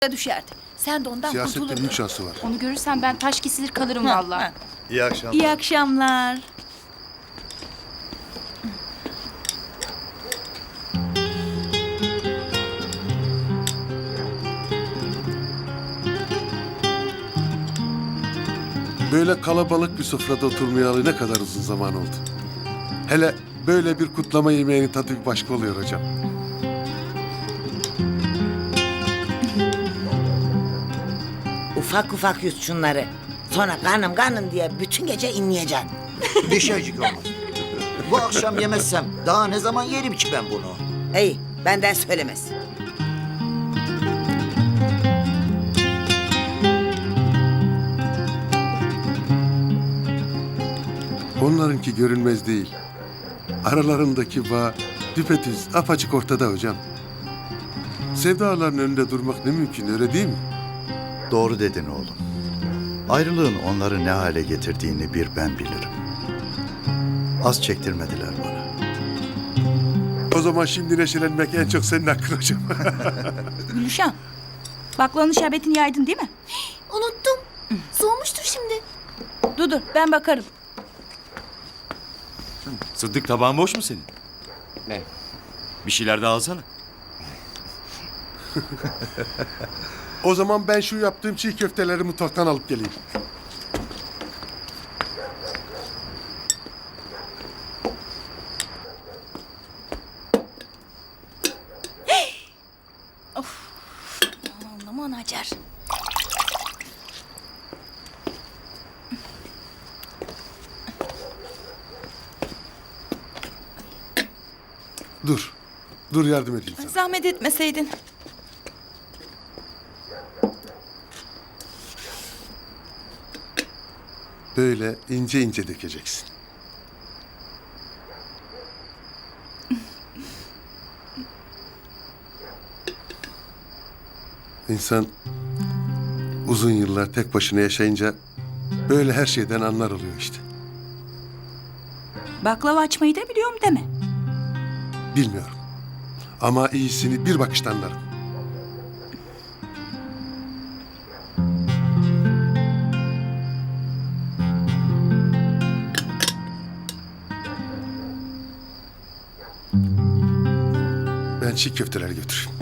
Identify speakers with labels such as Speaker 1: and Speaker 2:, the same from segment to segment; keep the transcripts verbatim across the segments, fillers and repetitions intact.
Speaker 1: düşerdi. Sen de ondan
Speaker 2: Siyasette
Speaker 1: kurtulurdun.
Speaker 2: büyük şansı var.
Speaker 3: Onu görürsem ben taş kesilir kalırım
Speaker 1: Ha,
Speaker 3: vallahi.
Speaker 1: ha.
Speaker 4: İyi akşamlar.
Speaker 1: İyi akşamlar.
Speaker 2: Böyle kalabalık bir sofrada oturmayalı ne kadar uzun zaman oldu. Hele böyle bir kutlama yemeğinin tadı bir başka oluyor hocam.
Speaker 5: Ufak ufak yut şunları. Sonra karnım karnım diye bütün gece inleyeceksin.
Speaker 6: Bir şeycik olmaz. Bu akşam yemezsem daha ne zaman yerim ki ben bunu?
Speaker 5: İyi, benden söylemez.
Speaker 2: Onlarınki görünmez değil. Aralarındaki bağ düpedüz apaçık ortada hocam. Sevdaların önünde durmak ne mümkün, öyle değil mi?
Speaker 4: Doğru dedin oğlum. Ayrılığın onları ne hale getirdiğini bir ben bilirim. Az çektirmediler bana.
Speaker 2: O zaman şimdi neşelenmek en çok senin hakkın hocam.
Speaker 1: Gülüşen, baklavanın şerbetini yaydın değil mi?
Speaker 7: Unuttum. Soğumuştur şimdi.
Speaker 1: Dur dur, ben bakarım.
Speaker 8: Sıddık, tabağın boş mu senin?
Speaker 9: Ne?
Speaker 8: Bir şeyler daha alsana.
Speaker 2: O zaman ben şu yaptığım çiğ köfteleri mutfaktan alıp geleyim.
Speaker 1: Aman aman Hacer.
Speaker 2: Dur. Dur yardım edeyim sana.
Speaker 1: Zahmet etmeseydin.
Speaker 2: Böyle ince ince dökeceksin. İnsan uzun yıllar tek başına yaşayınca böyle her şeyden anlar oluyor işte.
Speaker 1: Baklava açmayı da biliyorum deme.
Speaker 2: Bilmiyorum. Ama iyisini bir bakışta anlarım. Ben çiğ köfteleri götüreyim.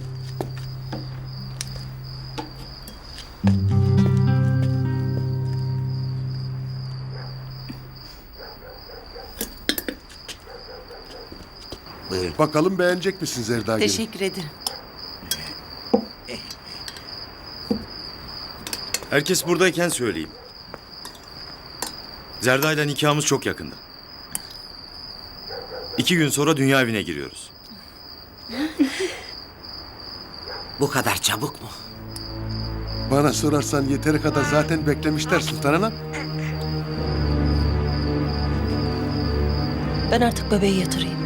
Speaker 6: Buyurun.
Speaker 2: Bakalım beğenecek misin Zerda Gelin?
Speaker 1: Teşekkür ederim.
Speaker 8: Herkes buradayken söyleyeyim. Zerda'yla nikahımız çok yakında. İki gün sonra dünya evine giriyoruz.
Speaker 5: Bu kadar çabuk mu?
Speaker 2: Bana sorarsan yeteri kadar zaten beklemişler Sultan Hanım.
Speaker 7: Ben artık bebeği yatırayım.